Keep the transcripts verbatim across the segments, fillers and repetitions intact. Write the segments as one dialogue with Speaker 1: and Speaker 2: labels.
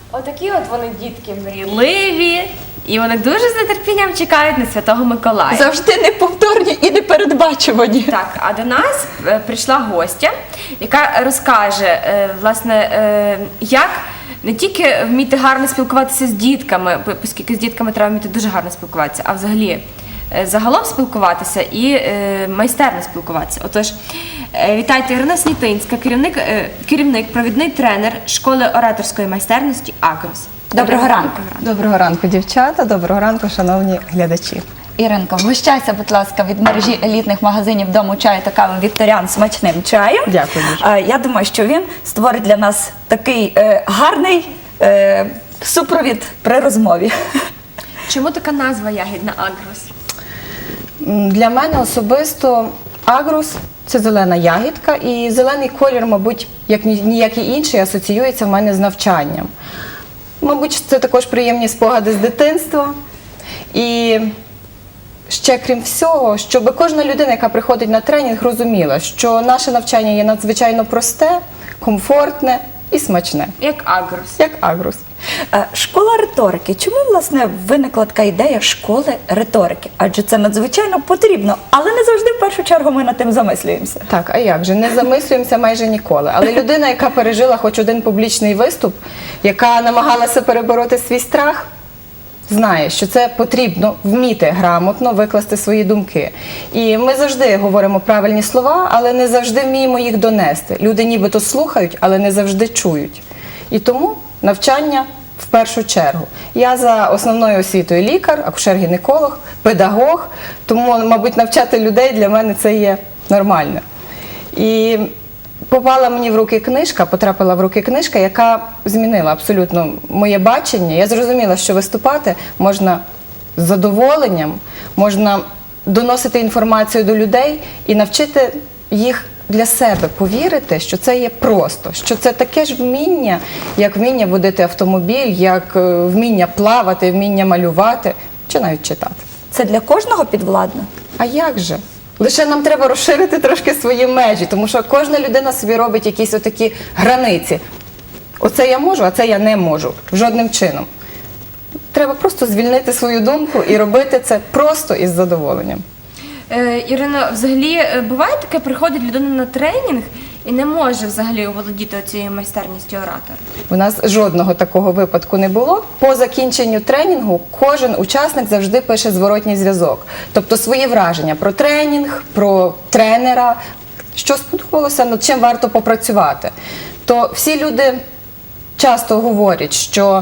Speaker 1: Отакі от вони дітки мрійливі, і вони дуже з нетерпінням чекають на Святого Миколая.
Speaker 2: Завжди неповторні і непередбачувані.
Speaker 1: Так, а до нас е, прийшла гостя, яка розкаже, е, власне, е, як не тільки вміти гарно спілкуватися з дітками, бо- оскільки з дітками треба вміти дуже гарно спілкуватися, а взагалі е, загалом спілкуватися і е, майстерно спілкуватися. Отож, е, вітайте, Ірина Снітинська, керівник, е, керівник, провідний тренер школи ораторської майстерності «Агрос».
Speaker 2: Доброго ранку.
Speaker 3: Доброго ранку, дівчата. Доброго ранку, шановні глядачі.
Speaker 2: Іринко, вгощайся, будь ласка, від мережі елітних магазинів дому чаю та кави «Вікторіан» смачним чаєм.
Speaker 3: Дякую дуже.
Speaker 2: А, Я думаю, що він створить для нас такий е, гарний е, супровід при розмові.
Speaker 1: Чому така назва ягідна «Агрос»?
Speaker 3: М, Для мене особисто агрус – це зелена ягідка, і зелений колір, мабуть, як ні- ніякий інший, асоціюється в мене з навчанням. Мабуть, це також приємні спогади з дитинства. І ще крім всього, щоб кожна людина, яка приходить на тренінг, розуміла, що наше навчання є надзвичайно просте, комфортне і смачне,
Speaker 1: Як «Агрос».
Speaker 3: як агрус.
Speaker 2: Е, Школа риторики. Чому, власне, виникла така ідея школи риторики? Адже це надзвичайно потрібно, але не завжди в першу чергу ми над тим замислюємося.
Speaker 3: Так, а як же? Не замислюємося майже ніколи. Але людина, яка пережила хоч один публічний виступ, яка намагалася перебороти свій страх, знає, що це потрібно вміти грамотно викласти свої думки. І ми завжди говоримо правильні слова, але не завжди вміємо їх донести. Люди нібито слухають, але не завжди чують. І тому навчання в першу чергу. Я за основною освітою лікар, акушер-гінеколог, педагог, тому, мабуть, навчати людей для мене це є нормально. І попала мені в руки книжка, потрапила в руки книжка, яка змінила абсолютно моє бачення. Я зрозуміла, що виступати можна з задоволенням, можна доносити інформацію до людей і навчити їх для себе повірити, що це є просто, що це таке ж вміння, як вміння водити автомобіль, як е, вміння плавати, вміння малювати чи навіть читати.
Speaker 2: Це для кожного підвладно?
Speaker 3: А як же? Лише нам треба розширити трошки свої межі, тому що кожна людина собі робить якісь отакі границі. Оце я можу, а це я не можу. Жодним чином. Треба просто звільнити свою думку і робити це просто із задоволенням.
Speaker 1: Е, Ірино, взагалі е, буває таке, приходить людина на тренінг і не може взагалі оволодіти цією майстерністю оратора?
Speaker 3: У нас жодного такого випадку не було. По закінченню тренінгу кожен учасник завжди пише зворотній зв'язок. Тобто свої враження про тренінг, про тренера, що сподобалося, над чим варто попрацювати. То всі люди часто говорять, що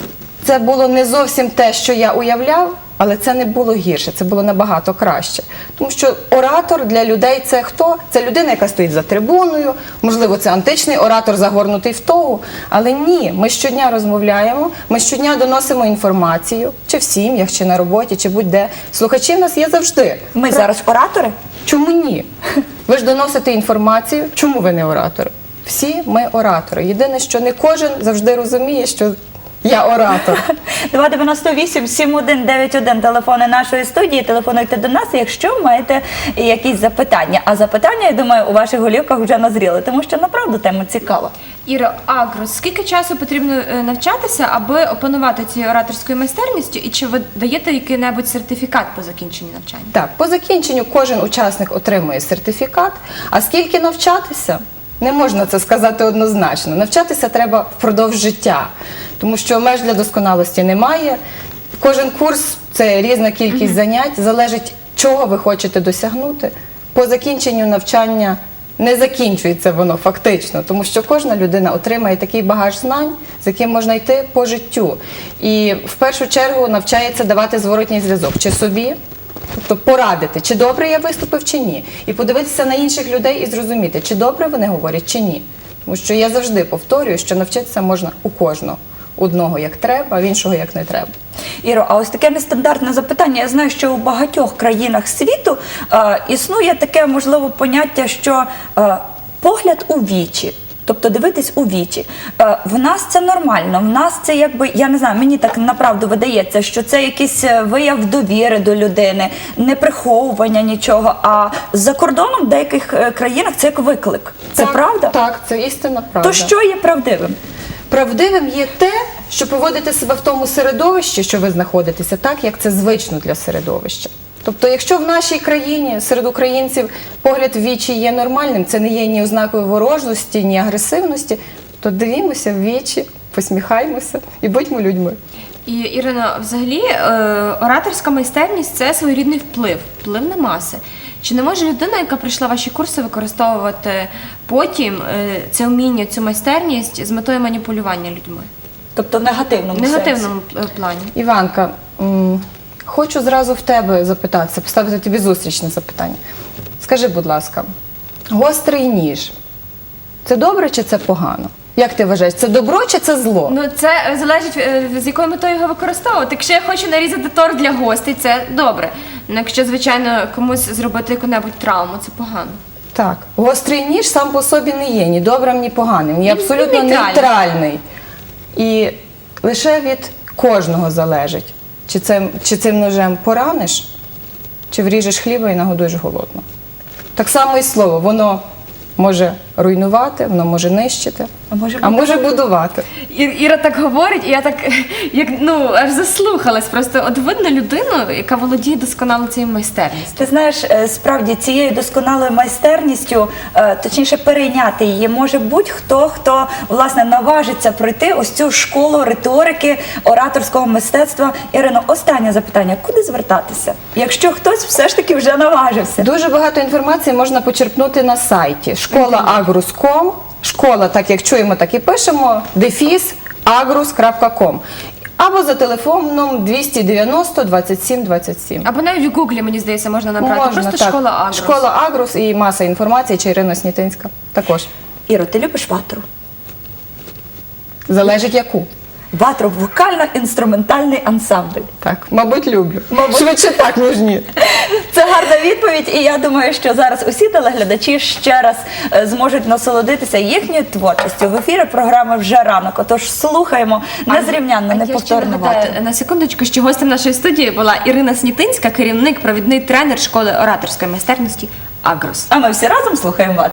Speaker 3: це було не зовсім те, що я уявляв, але це не було гірше, це було набагато краще. Тому що оратор для людей – це хто? Це людина, яка стоїть за трибуною, можливо, це античний оратор, загорнутий в тогу. Але ні, ми щодня розмовляємо, ми щодня доносимо інформацію, чи в сім'ях, чи на роботі, чи будь-де. Слухачі в нас є завжди.
Speaker 2: Ми
Speaker 3: Про-
Speaker 2: зараз оратори?
Speaker 3: Чому ні? Ви ж доносите інформацію, чому ви не оратори? Всі ми оратори. Єдине, що не кожен завжди розуміє, що я оратор.
Speaker 2: два дев'яносто вісім сім один дев'ять один телефони нашої студії. Телефонуйте до нас, якщо маєте якісь запитання. А запитання, я думаю, у ваших голівках вже назріли, тому що направду тема цікава.
Speaker 1: Іро, «Агрос», скільки часу потрібно е, навчатися, аби опанувати цією ораторською майстерністю, і чи ви даєте який-небудь сертифікат по закінченню навчання?
Speaker 3: Так, по закінченню кожен учасник отримує сертифікат, а скільки навчатися? Не можна це сказати однозначно. Навчатися треба впродовж життя, тому що меж для досконалості немає. Кожен курс – це різна кількість занять, залежить, чого ви хочете досягнути. По закінченню навчання не закінчується воно фактично, тому що кожна людина отримає такий багаж знань, з яким можна йти по життю. І в першу чергу навчається давати зворотній зв'язок чи собі, тобто порадити, чи добре я виступив, чи ні. І подивитися на інших людей і зрозуміти, чи добре вони говорять, чи ні. Тому що я завжди повторюю, що навчитися можна у кожного. Одного як треба, а в іншого як не треба.
Speaker 2: Іро, а ось таке нестандартне запитання. Я знаю, що у багатьох країнах світу е, існує таке, можливо, поняття, що е, погляд у вічі. Тобто дивитись у вічі. Е, в нас це нормально, в нас це якби, я не знаю, мені так направду видається, що це якийсь вияв довіри до людини, не приховування нічого, а за кордоном в деяких е, країнах це як виклик. Це
Speaker 3: Так,
Speaker 2: правда?
Speaker 3: Так, це істинна правда.
Speaker 2: То що є правдивим?
Speaker 3: правдивим є те, що поводите себе в тому середовищі, що ви знаходитеся, так, як це звично для середовища. Тобто, якщо в нашій країні серед українців погляд в вічі є нормальним, це не є ні ознакою ворожості, ні агресивності, то дивімося в вічі, посміхаймося і будьмо людьми.
Speaker 1: І, Ірино, взагалі е, ораторська майстерність – це своєрідний вплив, вплив на маси. Чи не може людина, яка прийшла ваші курси, використовувати потім е, це вміння, цю майстерність з метою маніпулювання людьми?
Speaker 2: Тобто в негативному,
Speaker 1: В негативному е, плані.
Speaker 3: Іванка, м, хочу зразу в тебе запитатися, поставити тобі зустрічне запитання. Скажи, будь ласка, гострий ніж – це добре чи це погано? Як ти вважаєш, це добро чи це зло?
Speaker 1: Ну, це е, залежить, е, з якою метою його використовувати. Якщо я хочу нарізати торт для гостей, це добре. Ну, якщо, звичайно, комусь зробити яку-небудь травму, це погано.
Speaker 3: Так, гострий ніж сам по собі не є ні добрим, ні поганим. Він є
Speaker 1: Він
Speaker 3: абсолютно
Speaker 1: нейтральний.
Speaker 3: нейтральний. І лише від кожного залежить, чи, це, чи цим ножем пораниш, чи вріжеш хліба і нагодуєш голодно. Так само і слово, воно може руйнувати, воно може нищити,
Speaker 2: А може
Speaker 3: а може будувати.
Speaker 1: Ір- Іра так говорить, і я так як ну аж заслухалась. Просто от видно людину, яка володіє досконало цією майстерністю.
Speaker 2: Ти знаєш, е, справді цією досконалою майстерністю, е, точніше перейняти її, може будь-хто, хто власне наважиться пройти ось цю школу риторики, ораторського мистецтва. Ірино, останнє запитання: куди звертатися, якщо хтось все ж таки вже наважився?
Speaker 3: Дуже багато інформації можна почерпнути на сайті школа агрус крапка ком. Школа, так як чуємо, так і пишемо, дефіс агрус крапка ком. Або за телефоном двісті дев'яносто двадцять сім двадцять сім.
Speaker 1: Або навіть в Гуглі, мені здається, можна набрати. Просто
Speaker 3: так.
Speaker 1: школа Агрос.
Speaker 3: Школа Агрус і маса інформації, чи Ірина Снітинська також.
Speaker 2: Іро, ти любиш ватру?
Speaker 3: Залежить яку.
Speaker 2: Ватру – вокально-інструментальний ансамбль.
Speaker 3: Так, мабуть, люблю.
Speaker 2: Мабуть.
Speaker 3: Швидше так, ніж ні.
Speaker 2: Це гарна відповідь, і я думаю, що зараз усі телеглядачі ще раз е, зможуть насолодитися їхньою творчістю. В ефірі програми «Вже ранок». Отож, слухаємо незрівнянно,
Speaker 1: А я ще
Speaker 2: неповторну
Speaker 1: нагадаю,
Speaker 2: ватру.
Speaker 1: на секундочку, що гостем нашої студії була Ірина Снітинська, керівник, провідний тренер школи ораторської майстерності Агрос.
Speaker 2: А ми всі разом слухаємо ватру.